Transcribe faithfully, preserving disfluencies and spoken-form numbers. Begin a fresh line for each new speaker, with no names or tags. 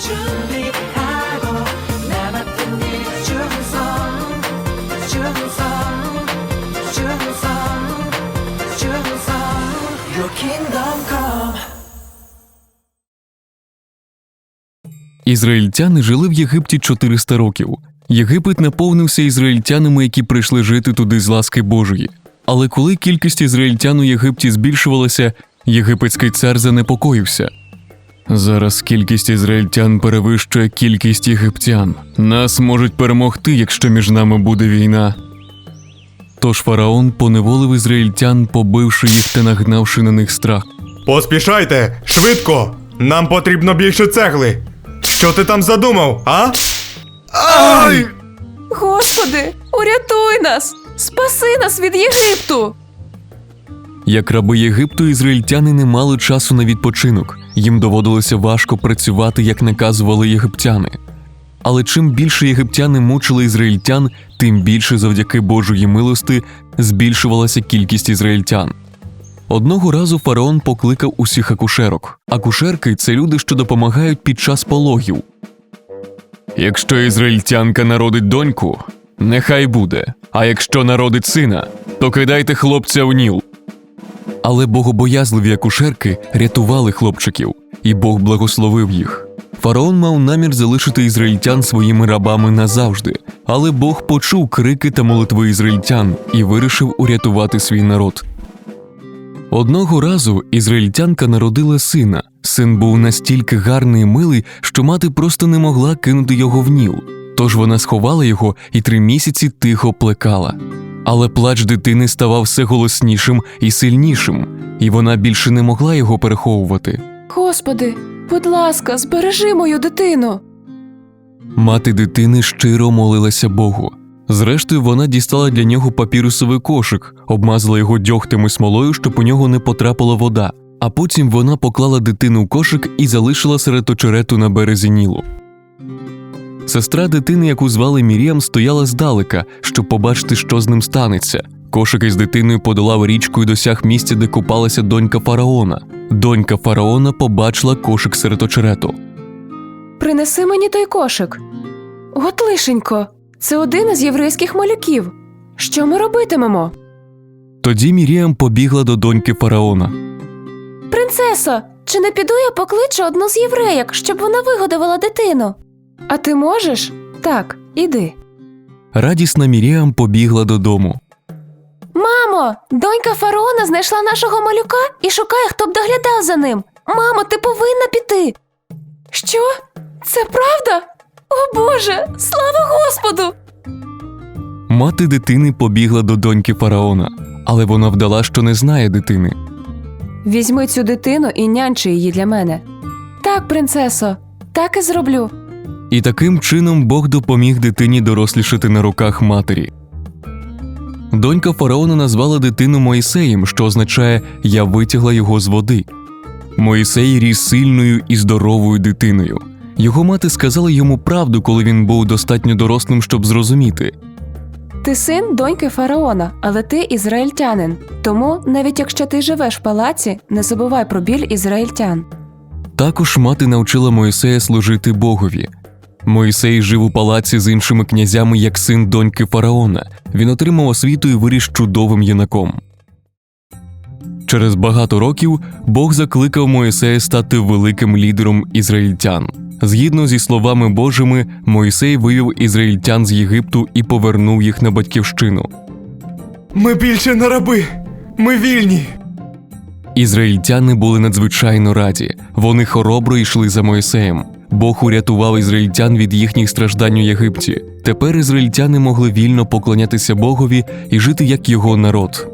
준비하고 나 맡은 일 충성 충성 충성 충성 Your kingdom come.
Ізраїльтяни жили в Єгипті чотириста років. Єгипет наповнився ізраїльтянами, які прийшли жити туди з ласки Божої. Але коли кількість ізраїльтян у Єгипті збільшувалася, єгипетський цар занепокоївся. Зараз кількість ізраїльтян перевищує кількість єгиптян. Нас можуть перемогти, якщо між нами буде війна. Тож фараон поневолив ізраїльтян, побивши їх та нагнавши на них страх.
Поспішайте! Швидко! Нам потрібно більше цегли! Що ти там задумав, а? Ай!
Господи, урятуй нас! Спаси нас від Єгипту!
Як раби Єгипту, ізраїльтяни не мали часу на відпочинок. Їм доводилося важко працювати, як наказували єгиптяни. Але чим більше єгиптяни мучили ізраїльтян, тим більше завдяки Божої милости збільшувалася кількість ізраїльтян. Одного разу фараон покликав усіх акушерок. Акушерки – це люди, що допомагають під час пологів. Якщо ізраїльтянка народить доньку, нехай буде. А якщо народить сина, то кидайте хлопця в Ніл. Але богобоязливі акушерки рятували хлопчиків, і Бог благословив їх. Фараон мав намір залишити ізраїльтян своїми рабами назавжди, але Бог почув крики та молитви ізраїльтян і вирішив урятувати свій народ. Одного разу ізраїльтянка народила сина. Син був настільки гарний і милий, що мати просто не могла кинути його в Ніл. Тож вона сховала його і три місяці тихо плекала. Але плач дитини ставав все голоснішим і сильнішим, і вона більше не могла його переховувати.
Господи, будь ласка, збережи мою дитину!
Мати дитини щиро молилася Богу. Зрештою, вона дістала для нього папірусовий кошик, обмазала його дьогтем і смолою, щоб у нього не потрапила вода. А потім вона поклала дитину в кошик і залишила серед очерету на березі Нілу. Сестра дитини, яку звали Мір'ям, стояла здалека, щоб побачити, що з ним станеться. Кошик із дитиною подолав річку і досяг місця, де купалася донька фараона. Донька фараона побачила кошик серед очерету.
Принеси мені той кошик. От лишенько, це один із єврейських малюків. Що ми робитимемо?
Тоді Мір'ям побігла до доньки фараона.
Принцесо, чи не піду я покличу одну з євреїк, щоб вона вигодувала дитину? А ти можеш? Так, іди.
Радісна Мір'ям побігла додому.
Мамо, донька фараона знайшла нашого малюка і шукає, хто б доглядав за ним. Мамо, ти повинна піти. Що? Це правда? О Боже, слава Господу!
Мати дитини побігла до доньки фараона, але вона вдала, що не знає дитини.
Візьми цю дитину і нянчи її для мене. Так, принцесо, так і зроблю.
І таким чином Бог допоміг дитині дорослішати на руках матері. Донька фараона назвала дитину Моїсеєм, що означає «я витягла його з води». Моїсей ріс сильною і здоровою дитиною. Його мати сказала йому правду, коли він був достатньо дорослим, щоб зрозуміти.
Ти син доньки фараона, але ти ізраїльтянин. Тому, навіть якщо ти живеш в палаці, не забувай про біль ізраїльтян.
Також мати навчила Моїсея служити Богові. Моїсей жив у палаці з іншими князями як син доньки фараона. Він отримав освіту і виріс чудовим юнаком. Через багато років Бог закликав Моїсея стати великим лідером ізраїльтян. Згідно зі словами Божими, Моїсей вивів ізраїльтян з Єгипту і повернув їх на батьківщину.
Ми більше не раби! Ми вільні!
Ізраїльтяни були надзвичайно раді. Вони хоробро йшли за Моїсеєм. Бог урятував ізраїльтян від їхніх страждань у Єгипті. Тепер ізраїльтяни могли вільно поклонятися Богові і жити як його народ.